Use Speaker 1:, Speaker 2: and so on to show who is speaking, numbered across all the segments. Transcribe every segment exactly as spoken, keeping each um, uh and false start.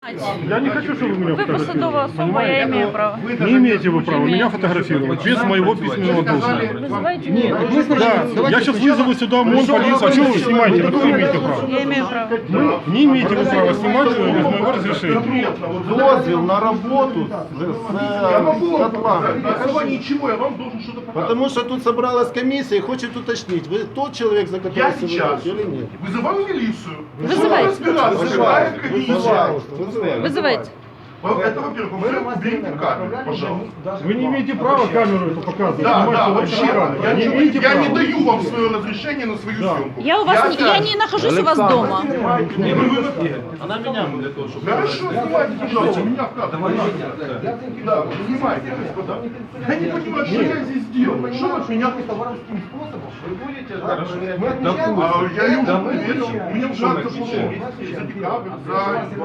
Speaker 1: Я не хочу, чтобы вы меня
Speaker 2: Вы посадовая
Speaker 1: фотографировали.
Speaker 2: особа, я имею право.
Speaker 1: Не имеете вы права меня фотографировать без моего письменного дозвола.
Speaker 2: Вызывайте меня.
Speaker 1: Да, я сейчас вызову сюда ОМОН, полицию. А что вы снимаете? Какое вы имеете право?
Speaker 2: Я имею право.
Speaker 1: Не имеете вы права снимать без моего разрешения.
Speaker 3: Дозвіл на роботу з котлами.
Speaker 4: На основании чего я вам должен что-то показать?
Speaker 3: Потому что тут собралась комиссия и хочет уточнить, вы тот человек, за
Speaker 4: Я
Speaker 3: которого
Speaker 4: сейчас
Speaker 3: или нет.
Speaker 4: вызываю милицию.
Speaker 2: Вызывайте.
Speaker 4: Разбираться, какая комиссия.
Speaker 3: Пожалуйста, вызывайте.
Speaker 2: Вызывайте.
Speaker 4: Это, во-первых. Во-вторых, уберите камеру, пожалуйста.
Speaker 1: Вы не имеете права камеру эту показывать.
Speaker 4: Да,
Speaker 1: снимать
Speaker 4: да,
Speaker 1: всё
Speaker 4: вообще.
Speaker 1: камеру.
Speaker 4: Я,
Speaker 1: Не
Speaker 4: не,
Speaker 1: имеете
Speaker 4: я
Speaker 1: права.
Speaker 4: не даю вам свое разрешение на свою
Speaker 1: Да.
Speaker 4: съемку.
Speaker 2: Я у вас не, я не нахожусь у вас дома.
Speaker 4: Не, вы, вы,
Speaker 3: Она меня для того, чтобы...
Speaker 4: Хорошо, снимайте, пожалуйста, меня в кадр. Да, вот снимайте, господа. Я не понимаю, что я здесь делаю. Что вы от меня...
Speaker 5: воровским способом вы будете
Speaker 4: А, я ей уже ответил. Мне уже надо за декабрь, за...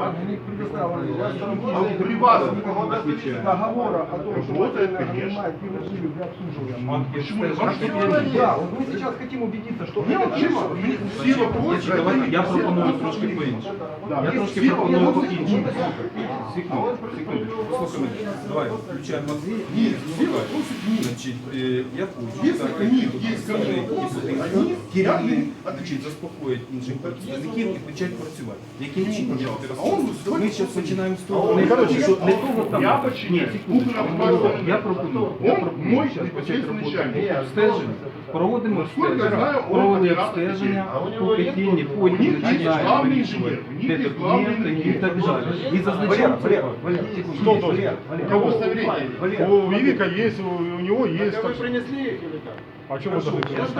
Speaker 4: А при вас
Speaker 5: договора о том, что
Speaker 4: Вот это,
Speaker 5: вы
Speaker 4: конечно.
Speaker 5: нанимаете фирму для обслуживания.
Speaker 4: Почему? Вам что
Speaker 5: Да, вот мы сейчас хотим убедиться, что
Speaker 4: Мне
Speaker 5: это
Speaker 4: чисто, мне всі вопроси...
Speaker 6: Я пропоную трошки по-іншому. Я трошки
Speaker 4: всі
Speaker 6: пропоную
Speaker 4: вопроси-
Speaker 6: по-іншому. Секунду, секунду. Послухай мене. Давай, включаємо мозги.
Speaker 4: Ні, всі вопроси ні.
Speaker 6: Значить, е, я хочу,
Speaker 4: Якщо
Speaker 6: так,
Speaker 4: ні, є
Speaker 6: представник
Speaker 4: вопроси,
Speaker 6: і
Speaker 4: вони
Speaker 6: керівник,
Speaker 4: я-
Speaker 6: значить, заспокоїть інших працівників і почати працювати. Яким чином я
Speaker 4: А он
Speaker 6: розповідаю? Ми зараз починаємо з
Speaker 4: А
Speaker 6: того,
Speaker 4: он,
Speaker 6: не
Speaker 4: короче,
Speaker 6: що не того там.
Speaker 4: я
Speaker 6: Ні,
Speaker 4: починаю.
Speaker 6: секундочку.
Speaker 4: Управління.
Speaker 6: Я пропоную. Я
Speaker 4: Он
Speaker 6: пропоную
Speaker 4: мой
Speaker 6: зараз почати
Speaker 4: непосредственний
Speaker 6: роботу
Speaker 4: начальник.
Speaker 6: обстеження. Проводимо
Speaker 4: Наскільки я
Speaker 6: обстеження.
Speaker 4: знаю, он
Speaker 6: Провели
Speaker 4: оператор
Speaker 6: обстеження,
Speaker 3: А у нього є
Speaker 6: покатіння,
Speaker 3: тут-
Speaker 4: у
Speaker 6: потім
Speaker 4: них є
Speaker 6: починаємо
Speaker 4: главний
Speaker 6: вирішувати,
Speaker 4: інженер, у них
Speaker 6: де
Speaker 4: є главний
Speaker 6: документи і
Speaker 4: інженер.
Speaker 6: так далі. І зазначаємо це.
Speaker 1: Кто должен? У кого? У Вивика есть, у, у него есть.
Speaker 3: Вы
Speaker 1: Так что-
Speaker 3: принесли их или как?
Speaker 1: А чем вы должны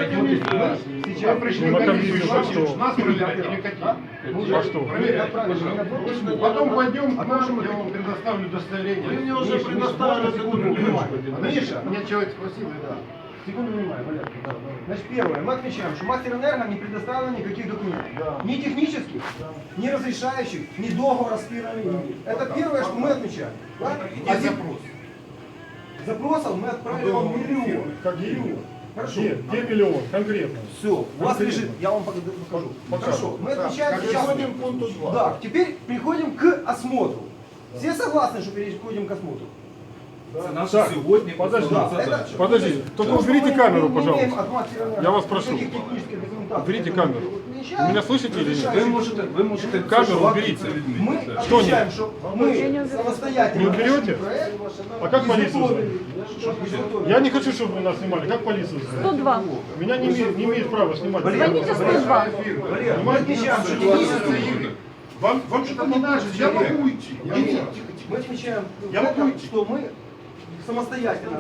Speaker 4: Вы пришли
Speaker 1: На
Speaker 4: в комиссию,
Speaker 1: комиссию,
Speaker 4: что,
Speaker 1: что?
Speaker 4: что? Нас проверять или какие?
Speaker 1: А что?
Speaker 4: Проверять, пожалуйста. Потом пойдем к нам, я вам предоставлю удостоверение.
Speaker 3: Вы мне уже предоставили документы.
Speaker 4: Миша, меня человек спросил, да.
Speaker 5: Секунду внимания, Валерий. Значит, первое, мы отмечаем, что Мастер Энерго не предоставил никаких документов. Ни технических, ни разрешающих, ни договора с фирмой. Это первое, что мы отмечаем. Да?
Speaker 4: Где запрос?
Speaker 5: Запросов мы отправили вам миллион.
Speaker 1: Какие?
Speaker 5: Хорошо.
Speaker 1: Где? Где миллион? Конкретно.
Speaker 5: Все, у вас лежит, я вам покажу. Хорошо, мы отмечаем сейчас.
Speaker 3: Переходим к пункту два.
Speaker 5: Да, теперь переходим к осмотру. Все согласны, что переходим к осмотру?
Speaker 6: Це наша
Speaker 1: Так,
Speaker 6: сьогодні
Speaker 1: подожди.
Speaker 6: основна
Speaker 5: Да,
Speaker 6: задача.
Speaker 1: Подождите, только
Speaker 5: Потому что
Speaker 1: уберите
Speaker 5: мы
Speaker 1: камеру,
Speaker 5: не имеем
Speaker 1: пожалуйста.
Speaker 5: от Мастера Энерго
Speaker 1: Я вас прошу.
Speaker 5: никаких технических документаций.
Speaker 1: Уберите
Speaker 5: Поэтому
Speaker 1: камеру.
Speaker 5: приезжаем,
Speaker 1: Вы меня слышите или нет?
Speaker 6: Ви можете, ви можете
Speaker 1: Камеру
Speaker 6: це
Speaker 1: уберите.
Speaker 5: Мы
Speaker 1: Что
Speaker 5: отмечаем,
Speaker 1: нет?
Speaker 5: что мы самостоятельно
Speaker 1: Не уберете?
Speaker 5: нашли проект,
Speaker 1: А как полицию
Speaker 5: изготовили.
Speaker 1: звать? Я не хочу, чтобы вы нас снимали. Как полицию звать?
Speaker 2: сто два.
Speaker 1: Меня не имеет, не имеет права снимать.
Speaker 2: Звоните сто два.
Speaker 5: Валер, мы отмечаем, что технически
Speaker 4: Вам, вам что-то не надо, я могу уйти.
Speaker 5: Нет, нет, мы отмечаем,
Speaker 4: Я
Speaker 5: в этом,
Speaker 4: могу идти.
Speaker 5: что мы самостоятельно,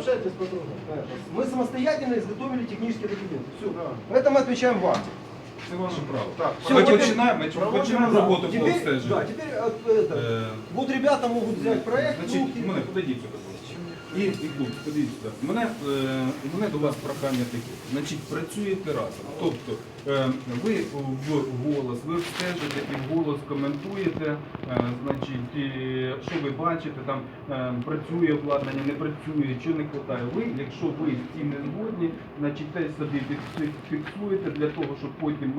Speaker 5: мы самостоятельно изготовили технические документы. Все. Это мы отмечаем вам.
Speaker 6: Це ваше право.
Speaker 5: Всё,
Speaker 6: Ми
Speaker 5: теперь-
Speaker 6: починаємо, ми починаємо роботу по
Speaker 5: Теперь, да,
Speaker 6: обстеженню.
Speaker 5: теперь э, это,
Speaker 6: Е,
Speaker 5: вот ребята могут взять проект,
Speaker 6: Значить,
Speaker 5: руки.
Speaker 6: мене подойдіть сюди. І, і тут, подивіться сюди. Мене, е, у мене до вас прохання таке. Значить, працюєте разом. Тобто, е, ви в голос, ви обстежуєте і в голос коментуєте, е, значить, і, що ви бачите, там е, працює обладнання, не працює, що не вистачає. Ви, якщо ви з цим не згодні, значить, те собі фіксуєте для того, щоб потім ми